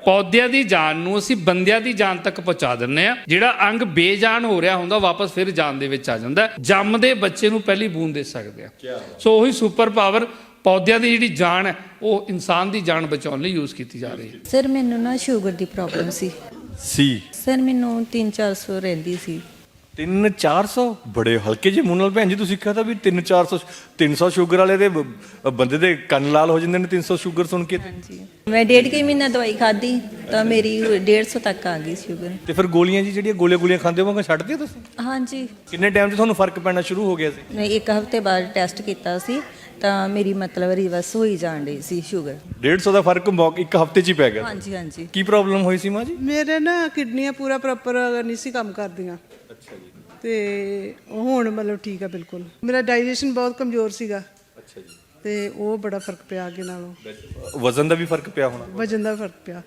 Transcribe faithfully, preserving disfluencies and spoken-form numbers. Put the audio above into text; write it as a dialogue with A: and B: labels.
A: ਪੌਦਿਆਂ ਦੀ ਜਾਨ ਨੂੰ ਅਸੀਂ ਬੰਦਿਆਂ ਦੀ ਜਾਨ ਤੱਕ ਪਹੁੰਚਾ ਦਿੰਦੇ ਆ। ਜਿਹੜਾ ਅੰਗ ਬੇਜਾਨ ਹੋ ਰਿਹਾ ਹੁੰਦਾ ਵਾਪਸ ਫਿਰ ਜਾਨ ਦੇ ਵਿੱਚ ਆ ਜਾਂਦਾ। ਜੰਮਦੇ ਬੱਚੇ ਨੂੰ ਪਹਿਲੀ ਬੂੰਦ ਦੇ ਸਕਦੇ ਆ। ਸੋ ਉਹੀ ਸੁਪਰ ਪਾਵਰ ਪੌਦਿਆਂ ਦੀ ਜਿਹੜੀ ਜਾਨ ਹੈ ਉਹ ਇਨਸਾਨ ਦੀ ਜਾਨ ਬਚਾਉਣ ਲਈ ਯੂਜ਼ ਕੀਤੀ ਜਾ ਰਹੀ ਹੈ।
B: ਸਰ ਮੈਨੂੰ ਨਾ ਸ਼ੂਗਰ ਦੀ ਪ੍ਰੋਬਲਮ ਸੀ
C: ਸੀ
B: ਸਰ ਮੈਨੂੰ ਤਿੰਨ ਚਾਰ ਸੌ ਰਹਿੰਦੀ ਸੀ।
C: ਤਿੰਨ ਚਾਰ ਸੌ ਬੜੇ ਹਲਕੇ ਜਿਹੇ ਮੂੰਹ ਨਾਲ ਭੈਣ ਜੀ ਤੁਸੀਂ ਕਿਹਾ ਤਾਂ ਵੀ ਤਿੰਨ ਚਾਰ ਸੌ ਤਿੰਨ ਸੌ ਸ਼ੂਗਰ ਵਾਲੇ ਦੇ ਬ- ਬੰਦੇ ਦੇ ਕੰਨ ਲਾਲ ਹੋ ਜਾਂਦੇ ਨੇ ਤਿੰਨ ਸੌ ਸ਼ੂਗਰ ਸੁਣ ਕੇ।
B: ਹਾਂਜੀ ਮੈਂ ਡੇਢ ਕੁ ਮਹੀਨਾ ਦਵਾਈ ਖਾਧੀ ਤਾਂ ਮੇਰੀ ਡੇਢ ਸੌ ਤੱਕ ਆ ਗਈ ਸ਼ੂਗਰ।
C: ਤੇ ਫਿਰ ਗੋਲੀਆਂ ਜੀ ਜਿਹੜੀਆਂ ਗੋਲੀਆਂ ਗੋਲੀਆਂ ਖਾਂਦੇ ਹੋ ਛੱਡ ਦਿੱਤੀਆਂ ਤੁਸੀਂ?
B: ਹਾਂਜੀ
C: ਕਿੰਨੇ ਟਾਈਮ 'ਚ ਤੁਹਾਨੂੰ ਫਰਕ ਪੈਣਾ ਸ਼ੁਰੂ ਹੋ ਗਿਆ ਸੀ?
B: ਮੈਂ ਇੱਕ ਹਫ਼ਤੇ ਬਾਅਦ ਟੈਸਟ ਕੀਤਾ ਸੀ ਤਾਂ ਮੇਰੀ ਮਤਲਬ ਰਿਵਰਸ ਹੋਈ ਜਾਣ ਡਈ ਸੀ ਸ਼ੂਗਰ।
C: ਡੇਢ ਸੌ ਦਾ ਫਰਕ ਮੌ- ਇੱਕ ਹਫ਼ਤੇ 'ਚ ਹੀ ਪੈ ਗਿਆ।
B: ਹਾਂਜੀ ਹਾਂਜੀ
C: ਕੀ ਪ੍ਰੋਬਲਮ ਹੋਈ ਸੀ ਮਾਂ ਜੀ?
D: ਮੇਰੇ ਨਾ ਕਿਡਨੀਆਂ ਪੂਰਾ ਪ੍ਰੋਪਰ ਨਹੀਂ ਸੀ ਕੰਮ ਕਰਦੀਆਂ।
C: ਅੱਛਾ ਜੀ।
D: ਤੇ ਹੁਣ ਮਤਲਬ ਠੀਕ ਆ ਬਿਲਕੁਲ। ਮੇਰਾ ਡਾਈਜੈਸ਼ਨ ਬਹੁਤ ਕਮਜ਼ੋਰ ਸੀਗਾ
C: ਅੱਛਾ ਜੀ।
D: ਤੇ ਉਹ ਬੜਾ ਫਰਕ ਪਿਆ ਅੱਗੇ ਨਾਲੋਂ।
C: ਵਜ਼ਨ ਦਾ ਵੀ ਫਰਕ ਪਿਆ ਹੋਣਾ?
D: ਵਜਨ ਦਾ ਫਰਕ ਪਿਆ।